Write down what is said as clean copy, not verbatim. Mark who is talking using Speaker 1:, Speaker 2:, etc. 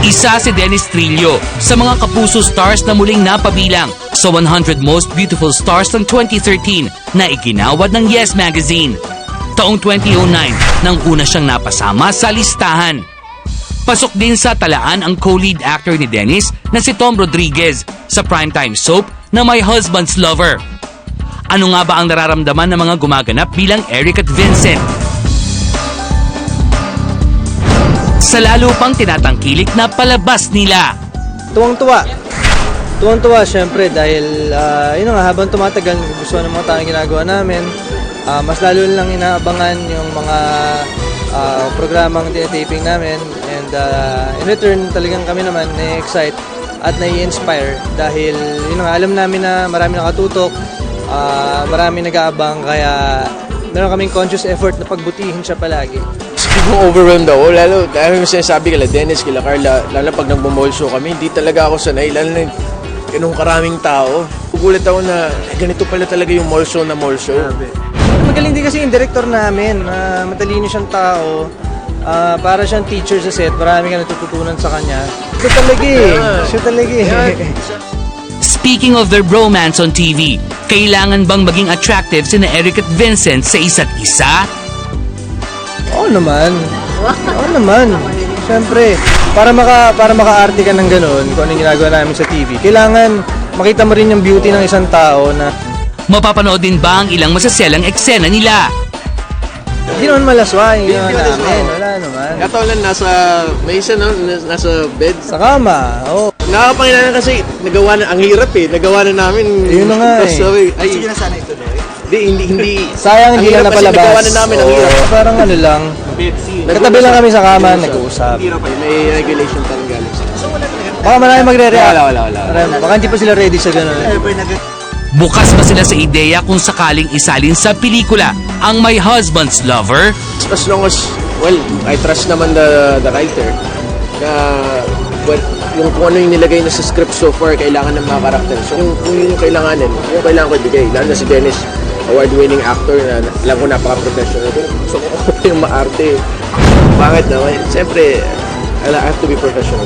Speaker 1: Isa si Dennis Trillo sa mga kapuso stars na muling napabilang sa 100 Most Beautiful Stars ng 2013 na iginawad ng Yes Magazine. Taong 2009 nang una siyang napasama sa listahan. Pasok din sa talaan ang co-lead actor ni Dennis na si Tom Rodriguez sa primetime soap na My Husband's Lover. Ano nga ba ang nararamdaman ng mga gumaganap bilang Eric at Vincent? Sa lalo pang tinatangkilik na palabas nila.
Speaker 2: Tuwang-tuwa. Tuwang-tuwa syempre dahil yun nga, habang tumatagal gusto ng mga tao yung ginagawa namin. Mas lalo lang inaabangan yung mga programang tinataping namin and in return talagang kami naman na-excite at na-inspire dahil yun nga, alam namin na marami nakatutok, marami nag-aabang kaya meron kaming conscious effort na pagbutihin siya palagi.
Speaker 3: Kung overwhelmed ako, lalo dahil yung sinasabi kila Dennis, kila Carla, lalo pag nagmo-mall show kami, hindi talaga ako sanay, lalo na ganung karaming tao. Gugulat ako na ganito pala talaga yung mall show na mall show.
Speaker 2: Magaling din kasi yung director namin, matalino siyang tao, para siyang teacher sa set, marami ka natututunan sa kanya. Siya talaga eh, siya talaga eh.
Speaker 1: Speaking of their bromance on TV, kailangan bang maging attractive sina Eric at Vincent sa isa't isa?
Speaker 2: Oo naman. Oo naman. Siyempre, para maka-arte ka ng ganun, kung ano yung ginagawa namin sa TV, kailangan makita mo rin yung beauty ng isang tao na
Speaker 1: Mapapanood din ba ang ilang masaselang eksena nila?
Speaker 2: hindi naman malaswa yung ginawa namin. Wala naman.
Speaker 3: Katawalan, may isa no, nasa bed.
Speaker 2: Sa kama, oo.
Speaker 3: Nakakapanginanan kasi, nagawa na, ang hirap eh, nagawa na namin.
Speaker 2: Yun na nga eh.
Speaker 3: Ay, sige na sana ito, hindi.
Speaker 2: Sayang hindi na napalabas.
Speaker 3: Nagawa na namin, ang hirap.
Speaker 2: Oo, parang ano lang. Katabi lang kami sa kama, nag-uusap.
Speaker 3: May regulation pa rin galing sa.
Speaker 2: Baka marami magre-react.
Speaker 3: Wala.
Speaker 2: Baka hindi pa sila ready sa ganun.
Speaker 1: Bukas ba sila sa ideya kung sakaling isalin sa pelikula ang My Husband's Lover?
Speaker 3: As long as, well, I trust naman the writer na yung kung ano yung nilagay na sa script so far, kailangan ng mga karakter. So kung yun yung kailanganin, yung kailangan ko ibigay. Lalo na si Dennis, award-winning actor na alam ko napaka-professional. So kung ako pa yung maarte, pangit naman. Siyempre, I have to be professional.